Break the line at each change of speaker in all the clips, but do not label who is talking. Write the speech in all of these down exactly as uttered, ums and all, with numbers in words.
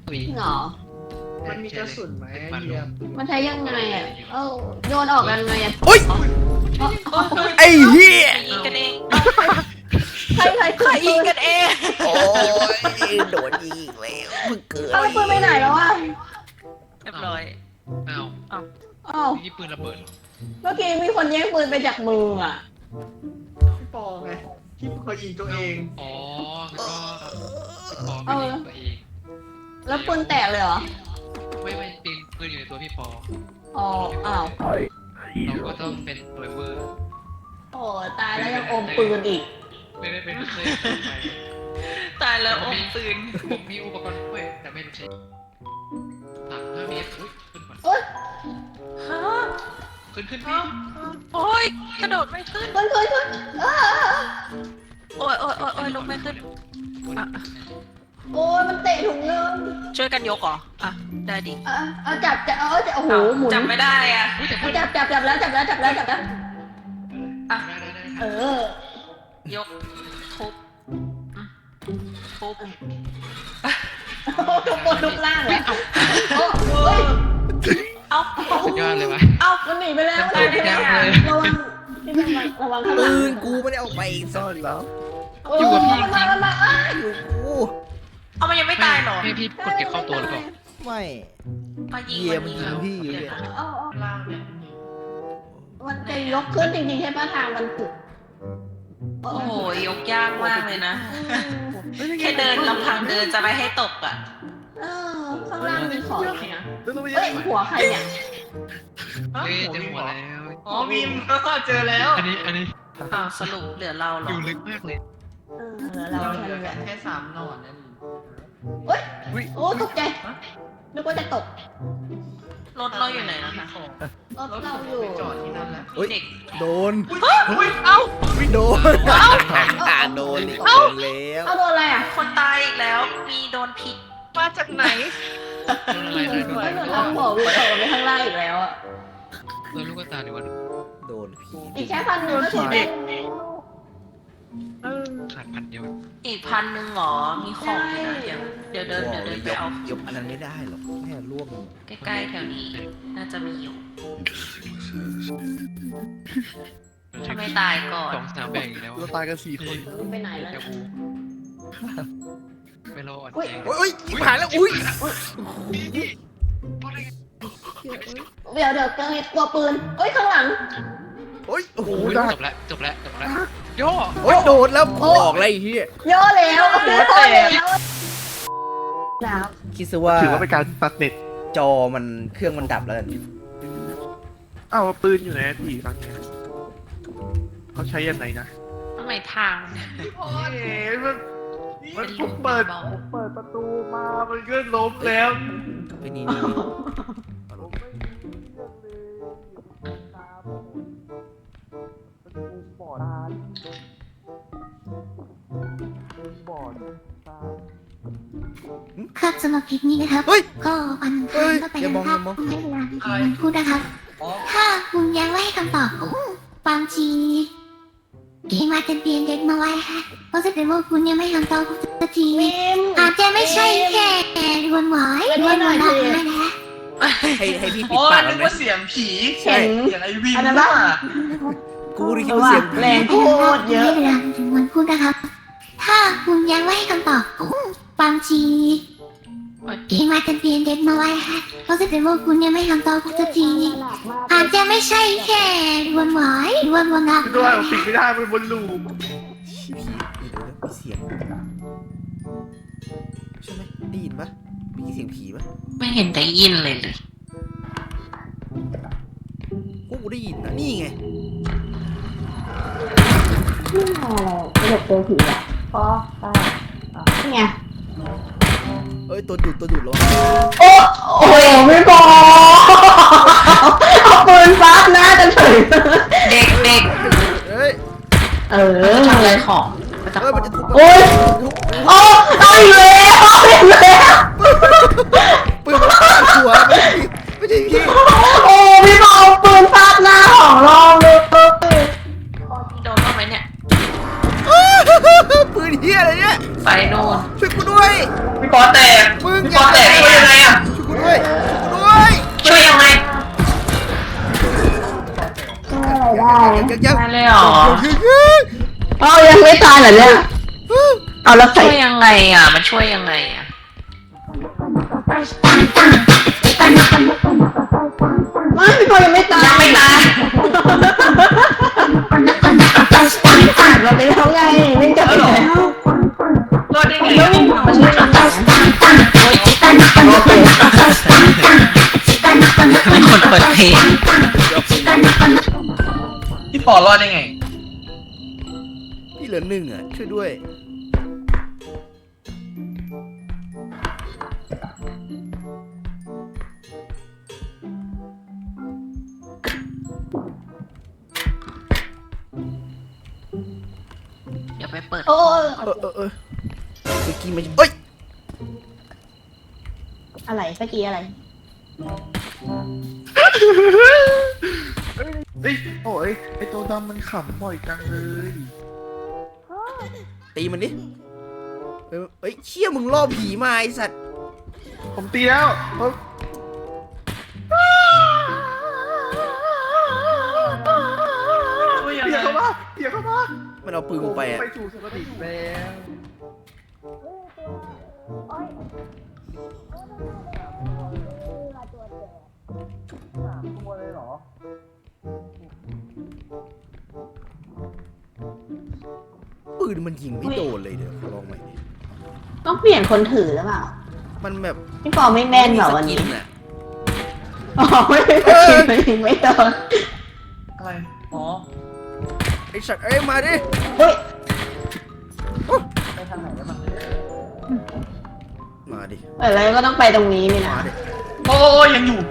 มี
เหรอ
มันมีกระสุนไหมเยี่ยม
มันใช้ยังไงอ่ะเอ้าโยนออกกันไงอ่ะ
โอ๊ยไอ้เหี้ย
ยิงกันเอง
ใครใคร
ใครยิงกันเอง
โอ้ยโดนยิงอีกแล้วมึงเกิด
เอาปืนไปไหนแล้วอ่ะ
เรียบร้อย
อ้าว
อ้าว
นี่ปืนระเบิด
เมื่อกี้มีคนแย่งปืนไปจากมืออ่ะ
พี่ปอไงที่เคยยิงตัวเอง
อ๋อก็ปอ
เอ
ไม่
อ
ยิงตัวเอง
แล้วปืนแตกเลยเหรอ
ไม่ไม่ปืนปืนอยู่ในตัวพี่ปอ
อ๋ออ้าว
เราก็ต้องเป็นตัวเวอร์
โอ้ตายแล้วยังอมปืนอีก
ไม่ได้เป็นเคย
ตายแล้วอมปืน
ผมมีอุปกรณ์ช่วยแต่ไม่รู้ใช้สามห้าเมตรขึ้นก่อน
โอ๊ย
ฮะ
ขึ้นขึ้นพี่
โอ้ยกระโดดไม่ขึ้น
ขึ้นขึ้นขึ้นอ้า
โอ้ยโอ้ยโอ้ยโอ้ยลุกไม่ขึ้นอ่ะ
โอ้ยมันเตะถุงเงิน
ช่วยกันยกเหรออ่ะได้ดิ
อ่ะเอาจับจับเอาจับโอ้โหหมุน
จับไม่ได้อ่ะ
เอาจับจับจับแล้วจับแล้วจับแล้วจับแล้ว
อ่ะ
ได้ได้ได้
เออย
กทุบอืมทุบ
ทุกคนทุกล่างเลยโอ้เฮ้ย
เอ้า
สุดยอดเลยวะ
เอ้า
มันหนีไปแล้ว
มันตายไปแล้วเลย
ระวังนี่มันมาระวังข้างหลั
ปื
ง
นกูไม่ได้เอาไปซ่อนแล้ว
อยู่กับพี่
มันมามันมาอ้า
อยู่กู
เอามันยังไม่ตายเหรอ
ให้พี่กดเก็บเข้าตัวหรือเปล่า
ไม่
มายิง
เยี่ยม
มัน
ยิงพี่อยู่เนี่ย
เอาเอา
ล่างเนี่ย
มันจะยกขึ้นจริงๆใช่ป่ะทางมันถึก
โอ้โหยกยากมากเลยนะ แค่เดินลำพังเดินจะไม่ให้ตกอ่ะ
เออข้างล่างมีของไหมอ่ะ
แล้วต้องไป
เฮ้ยหัวใครเนี่ย
เฮ้ยเจอหัวแล้ว
อ๋อมีมเจอแล้ว
อันนี้อันนี้
อ้าวสรุปเหลือเราเหร
อ
อยู่
ลึกมากเลย
เออเรา
เรา
ทำ
เหลือ
แบบ
แค่สามหนอนนั่น
เฮ้ยโอ้ตกใจนึกว่าจะตก
รถเราอยู่ไหนนะคะ
รถเราอยู่
จอดที่นั่นแหละ
เฮ้ย
เด็ก
โดน
อุ้ยเอ้า
โดนโดนอีกโดนแล้ว
เอาโดนอะไรอ่ะ
คนตายอีกแล้ว มีโดนพิษ
มาจากไหน
อะไรเลยโดน
ไม่
อะไร
เหมือนทำหัววิวไปข้างล่างอีกแล้วอ่ะ
โดนลูกตาดีกว่า
โดนผี
อีกแค่พันหนึ่งก็ถึงแล้ว
ขาดพันเดียว
อีกพันหนึ่งหรอ มีของอยู่นะเดี๋ยวเดี๋ยวเดินเดี๋ยวเดินไปเอา
ยกอันนั้นไม่ได้หรอกแค่ร่วง
ใกล้ๆแถวนี้ น่าจะมีอยู่ถ้าไม่ตายก่อน
สองสามแบ่งแล้ว
เราตายกันสี่คน
ไปไหนแล้ว
จะบูไปรออ่อน
อุ้ย
แอ
โอ้ยอีกผ่านแล้วอุ้ย
เดี๋ยวเดี๋ยวเจอตัวปืนเอ้ยข้างหลัง
โอ้ยโอ้โห
โอ้ย
ได้
จบแล้วจบแล้วจบแล้วย่อ
โอ้ยโดนแล้วบอกอะไรเฮีย
ย่อแล้วย่อแล้วแล้ว
คิดซะว่า
ถือว่าเป็นการตัดเน็ต
จอมันเครื่องมันดับแล้วกัน
อ้าวปืนอยู่ไหนพี่ฟังเนี่ยเขาใช้ยังไงนะ
ทำไมทาง
โอ้ยมัน
มัน
เป็น
ผ
ลู
ม
ก
เปิด
เบา
ผมเปิดประตูมา มันก็ล้มแล้ว
ไอ้นี่นี่
ผมไม่มีเรื่องเลยตาผมมันมุมบอดตามุมบอดตา
ครับสำหรับคลิปนี้นะครับ
เฮ้ย
ก็วัน
เฮ้ย
ก็ไป
อย่ามอง
ค
อ
รับ
ย่ามอง
ให้เวลาที่คุณพูดนะครับ ถ้าคุณยังไม่ให้คำตอบผมบางทีเกมอาจจะเปลี่ยนเด็กมาไว้ฮะเพราะแสดงว่าคุณยังไม่ให้คำตอบผมสักที
มิม
อาจจะไม่ใช่แค่รวนหวายรวนหวายนะนะ
ให้ให้พี่ปิด
อ๋อ
ปาก
นึ
แล้วไหม
กว่าเสียงผี
เสียง
เสียงไอวิน
อันนั้น
ว่า
ปะ
กูได้คิดว่าเสียง
แรงโคตรเยอะ
ให้เวลาถึงวันพูดนะครับ ถ้าคุณยังไม่ให้คำตอบผมบางทีเกมอาจจะเปลี่ยนเด็กมาไว้ฮะเพราะแสดงว่าคุณยังไม่ให้คำตอบผมสักที อาจจะไม่ใช่แค่รวนหวายรวนวนนัก
คือด้วยผมปิดไม่ได้มันบนลูป
ผีเดี๋ยวมีเสียงใช่ไหมได้ยินปะมีเสียงผีปะ
ไม่เห็นได้ยินเลยเลย
กูกูได้ยินนะนี่ไง
ไม่หลบตัวผีอ่ะพอไปนี่ไง
เอ้ยตัวดูดตัวดูดแล้ว
โอ้โอ้ไม่พอเอาปืนฟัดหน้ากันเฉย
เด็กเด็ก
เอ้ย
เออ
ทำอะไรของ
เอ้ยมันจะทุบ
โอ้ยโอ้เอาอีกแล้วเอาอีกแล้ว
ปืนมันฟาดหัวไม่ใช่พี่
โอ้พี่บอลปืนฟาดหน้าของเราเลย
โดนบ้างไหมเนี่ย
ปืนเฮียอะไรเนี่ย
ไฟโดน
ช่วยกูด้วย
พี่ปอแตก
มึง
พี่
อ
ป
ย่า
อแตก
เหรอเนี่ยเอาแล้วใส่
ช่วยยังไงอ่ะ มันช่วยยังไงอ่ะ
ไม่พี่ปอยังไม่ตาย
ยังไม่ตาย
ผ่านมาไปแล้วไงไม่จะไปแล้ว
รอดได้ไงอะมันช่วยยังไงมีคนเปิดเพลง
พี่ปอรอดได้ไง
พี่เหลือหนึ่งอ่ะ ช่วยด้วย
เดี๋ยวไปเปิด
โอ้
เออเออเออเมื่อกี้มันเอ้ย
อะไรเมื่อกี้อะไร
เฮ้ยโอ้ยไอตัวดำมันขำบ่อยจังเลย
ตีมันดิเอ้ยเอ้ยเชี่ยมึงล่อผีมาไอสัตว์
ผมตีแล้วเฮ้ย
ช่วยยัง
เปีย
ไง
กเข้ามาเปียกเข้ามา
มันเอาปืนกูไปอ่ะ
ไปสู่สติแล้วสามตัวเลยเหรอ
ปืนมันยิงไม่โดนเลยเดี๋ยวขอลองใหม่ดิ
ต้องเปลี่ยนคนถือหรือเปล่า
มันแบบ
พี่ปอไม่แม่นเหรอวัน
มี
นี้
สกิอ่ะ
อ๋อไม่ได้กินไม่ไม่โดน
อะไร อ๋อ
ไอสัตว์เอ้ยมาดิ
เฮ้ย
ไปทางไหนแล้วมัน
มาดิ
อะไรก็ต้องไปตรงนี้นี่นะ
มาดิ
โอ้ยยังอยู่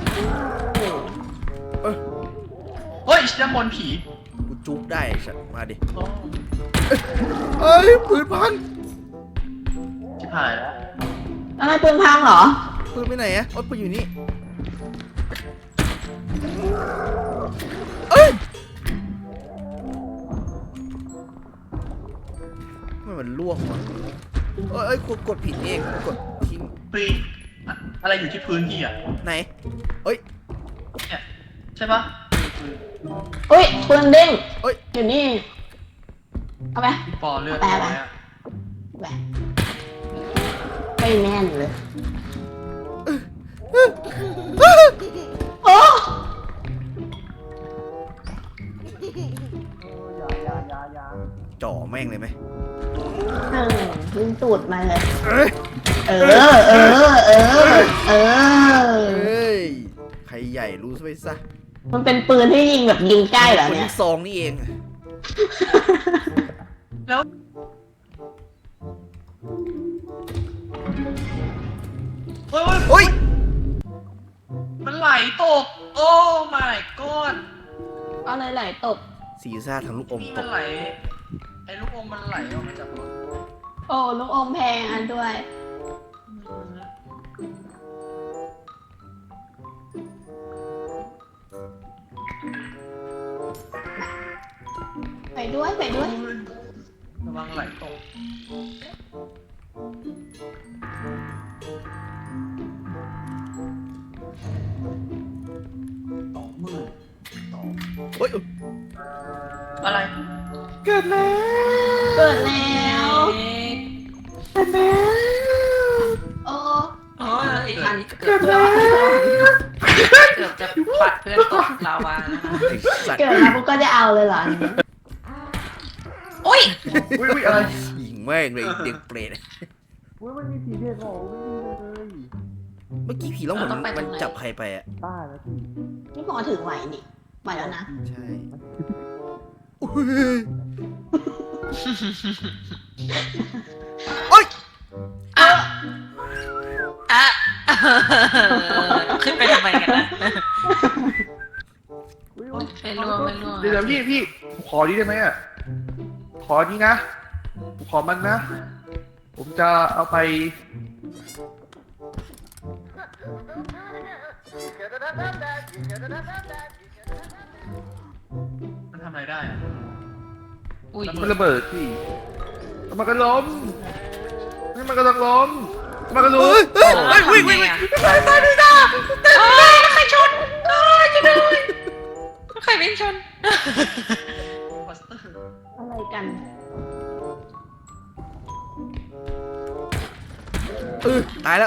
เอ้ย
เฮ้ยด้านบนผี
กูจุกได้ไอสัตว์มาดิ
โอ้
เอ้ยปืนพัง
ชิบหายแล้ว
อะไรปืนพังเหรอ
ปืนไปไหนอะโอ๊ยปืนอยู่นี่เอ้ยมันมันล่วงวะเอ้ยเอ้ยกดกดผิดเองกดทิ้ง
ปีอะอะไรอยู่ที่พื้นพี่อ่ะ
ไหนเอ้ย
เนี่ยใช่ปะ
เฮ้ยปืนเด้ง
เอ้ย
อยู่นี่ เอาไป
พี่ปอเลือด
แปล
น้
ว่า
อยอะ
ไปไม่แน่นเลยโอ้
จ่อแม่งเลยไหม
หนึ่งยิงตูดมาเลย
เอ้ย
เออ เออ เออ เออ
เอ้ยใครใหญ่รู้ซะไปซะ
มันเป็นปืนที่ยิงแบบยิงใกล้เหรอ
คน
เนี่ย
ที่ซองนี่เอง
แล้วเฮ้ยเฮ้ย
เฮ้ย
มันไหลตก โอ้ my god
อะไรไหลตก
ซีซ่าทางลูกอม
นี่
ต
มัน
ก
ไหล ไอ้ลูกอมมันไหลออกมาจากรถ
โอ้ลูกอมแพงอันด้วย ไปด้วยไปด้วย
ระวังไหลตก สองหมื่นสอง
เฮ้ย
อะไร
เกิดแล้ว
เกิดแล้ว
เกิดแล้ว
โอ้
โอ้ยอันเกือบจะเกือบจะปัดเพื่อนตกลาวานะคะ
ไอ้สัตว์
เกิดแล้วปุ๊กก็จะเอาเลยเหรอ
อุ้ย
อุ้ยอุ้ยอะไร
ยิงแม่งเลยไอ้เด็กเปรต
อุ้ยมันมีผีเด็กเหรอไม่มีเลย
เมื่อกี้ผีร้องเหมือนมันจับใครไปอ่ะ
บ้าแล้วพี่
นี่พอถือไหวนี่ไหวแล้วนะ
ใช่อุ้ยโอ๊ย
อ่ะอ่ะขึ้นไปทำไมกันนะ
อุ้ยอุ้ย
ไม่ร่วงไม่ร่วง
เดี๋ยวพี่พี่ผมขอนี้ได้ไหมอ่ะ ขอนี้นะผมขอมันนะ ผมจะเอาไป
มันทำอะไรได้อะ
อุ้ย
มันระเบิดพี่มันก็ล้มนี่มันก็ต้องล้มมันก็ล้
เฮ้
ม
ยเฮ้ยเฮ้ยวิ่งวิ่งวิ่ง
เอ้ยใครชนเอ้ยจะด้วยใครวิ่งชน
บัสเตอร์
อะไรกัน
ตายแล้ว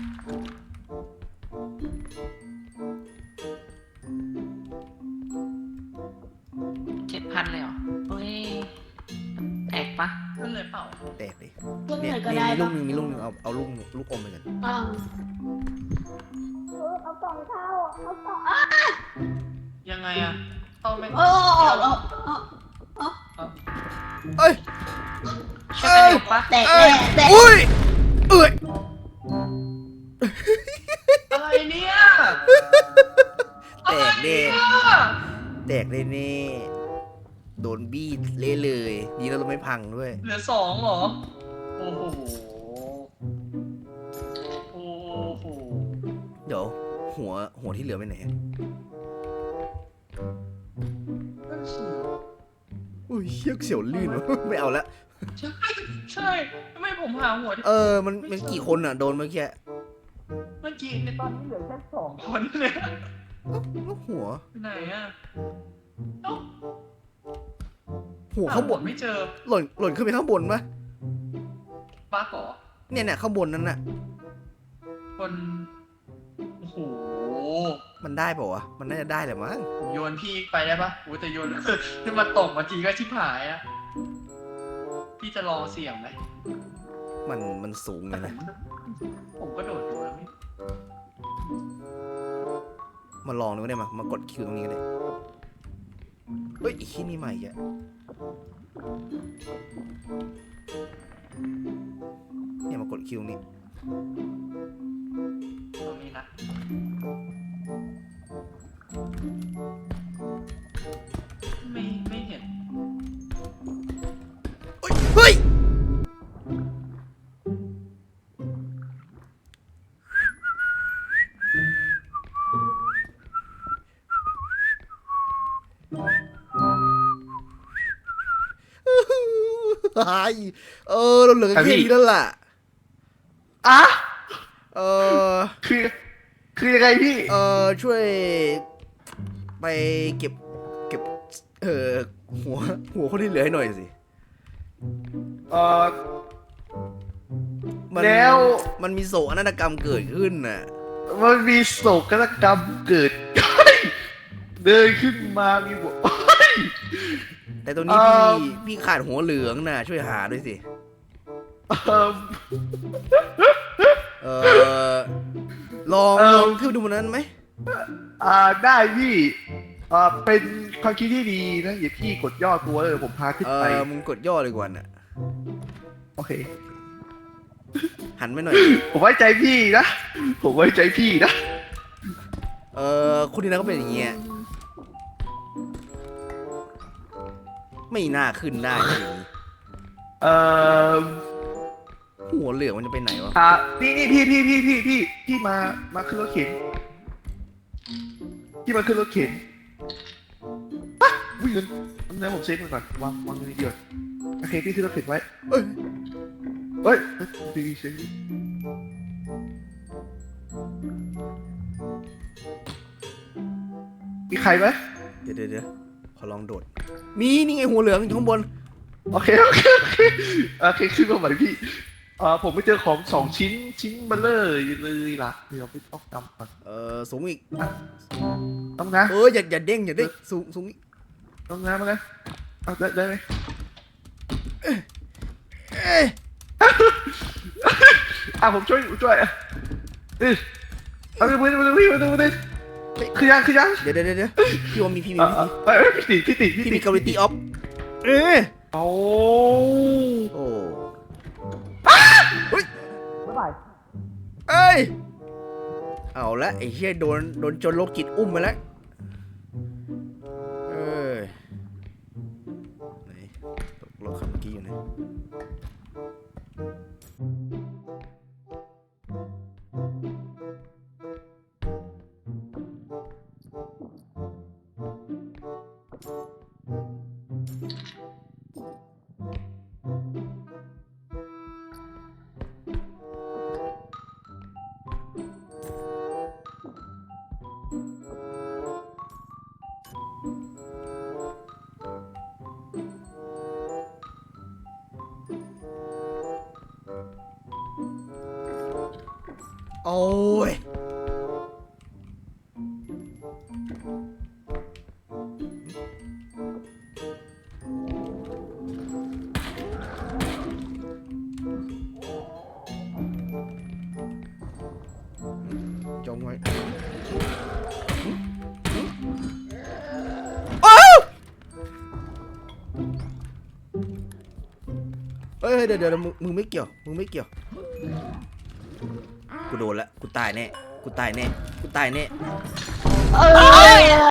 เจ็ดพันเลยเหรอเฮ้ยแตกปะ
ขึ้นเลยเปล่า
แตกดิ
เพื่อน
เนี่
ไห
ย
นก็
มี
ได้
มีลู
ปะ
กหนึงมีลูกหนึงเอาเอาลูกลูกอมไปกัน
อ่าเออเอากล่องเข้าเอากล่องอ่ะ
ยังไงอะเข้าไม่
โอ้โอ้โอ้โอ้
เอ้ย
ช่วยกันยกปะ
แตก
เอ้
แน่
ย
แตก
อุ้ยเอ้ย
อะไรเนี่ย
แตกเด้แตกเลยเน่โดนบี้เละเลยดีแล้วเราไม่พังด้วย
เหลือสองเหรอ โอ้โห โอ้โห
เดี๋ยวหัวหัวที่เหลือไปไหน
นั่นสิ
อุ้ยเชือกเสียวลื่นวะ ไม่เอาละ
ใช่ใช่ทำไมผมหาหัวที่
เออมันมันกี่คนอ่ะโดนเมื่อกี้
เมื่อกี้ในตอนนี้เหลือแค่สองคนเลย
แล้วหัว
ไปไหนอะเอ้า
หัวข้างบน
ไม่เจอ
หล่นหล่นขึ้นไปข้างบนปะ
ปลาก่อ
เนี่ยเนี่ยข้างบนนั้นน่ะ
คนโอ้โห
มันได้เปล่าวะมันน่าจะได้แหละมั้ง
ผมโยนพี่ไปได้ปะโอ้แต่โยน ถ้ามาตกมาทีก็ชิบหายอะพี่จะลองเสี่ยงไหม
มันมันสูงเลยนะ
ผมก็โดดดูแล้วไม่
มาลองดูก็ได้มามากดคิวตรงนี้ก็ได้เฮ้ยอีกที่นี่ใหม่อ่ะเนี่ยมากดคิวตรงนี้
ตรงนี้นะ ไม่ไม่เห็น
เฮ้ยเฮ้ยไอ้เออเราเหลือแค่นี้แล้วล่ะ
อ่ะ
เออ
คือ คือยังไงพี่
เออช่วย ไปเก็บ เก็บ เออหัว หัวคนที่เหลือให้หน่อยสิ
เออ
มัน
แล้ว
มันมีโศกนาฏกรรมเกิดขึ้นน่ะ
มันมีโศกนาฏกรรมเกิด เดินขึ้นมามีหัว
แต่ตรงนี้
เอ่
พี่
อ
พี่ขาดหัวเหลืองน่ะ ช่วยหาด้วยสิ
เอิ่ม
เออลอง
เอ่อ
ลองขึ้นไปดูบนนั้นไหม
อ่าได้พี่อ่าเป็นความคิดที่ดีนะอย่าพี่กดย่อตัวเลยผมพาขึ้น
เอ
ไป
อมึงกดย่อเลยกว่าน่ะ
โอเค
หันไปหน่อย
ผมไว้ใจพี่นะ ผมไว้ใจพี่นะ
เออคุณนี่นะก็เป็นอย่างเงี้ย ไม่น่าขึ้นได้จริง
เอ่อ
หัวเหลืองมันจะไปไหนวะ
อ่านี่นี่พี่พี่พี่พี่พี่พี่มา มาขึ้นรถเข็น พี่มาขึ้นรถเข็นปะวิ่งเงินเอาเงินผมเซฟมันก่อน วางวางเงินนิดเดียวโอเคพี่ขึ้นรถเข็นไว้
เอ้ย
เฮ้ยเอ้ยดีดีเซฟมีใครไหม
เดี๋ยวเดี๋ยวเดี๋ยวขอลองโดด มีนี่ไงหัวเหลืองอยู่ข้างบน
โอเคโอเคโอเคโอเคขึ้นมาใหม่พี่เอ่อผมไปเจอของสองชิ้นชิ้นเบลเลอร์เลยล่ะเดี๋ยวไปต้องจำก่อน
เออสูงอีก
ต้องนะ
เอออย่าอย่าเด้งอย่าเด้งสูงสูงอีก
ต้องนะมาเลยเอาได้ได้ไหม
เอ้ย
อ่ะผมช่วยผมช่วยอ่ะเออเอาไปไปไปไปไปไปคือยังคือยัง
เดี๋ยวเดี๋ยวเดี๋ยวพี่ว่ามีพี่มี
เออ
พี่
เออพี่ติพี่ติ
พี่มีกาลิตี้ออฟเออ
โอ้
โอ้เฮ้ย
บ๊ายบาย
เอ้ยเอาละไอ้เหี้ยโดนโดนจนโรคจิตอุ้มไปแล้วเอ้ยไหนตกรถขับเมื่อกี้อยู่ไหนโอ้ยจงไว้อ้าวเฮ้ยเดี๋ยวเดี๋ยวมึงมึงไม่เกี่ยวมึงไม่เกี่ยวกูโดนละกูตายแน่กูตายแน่กูตายแน่
เอ้ย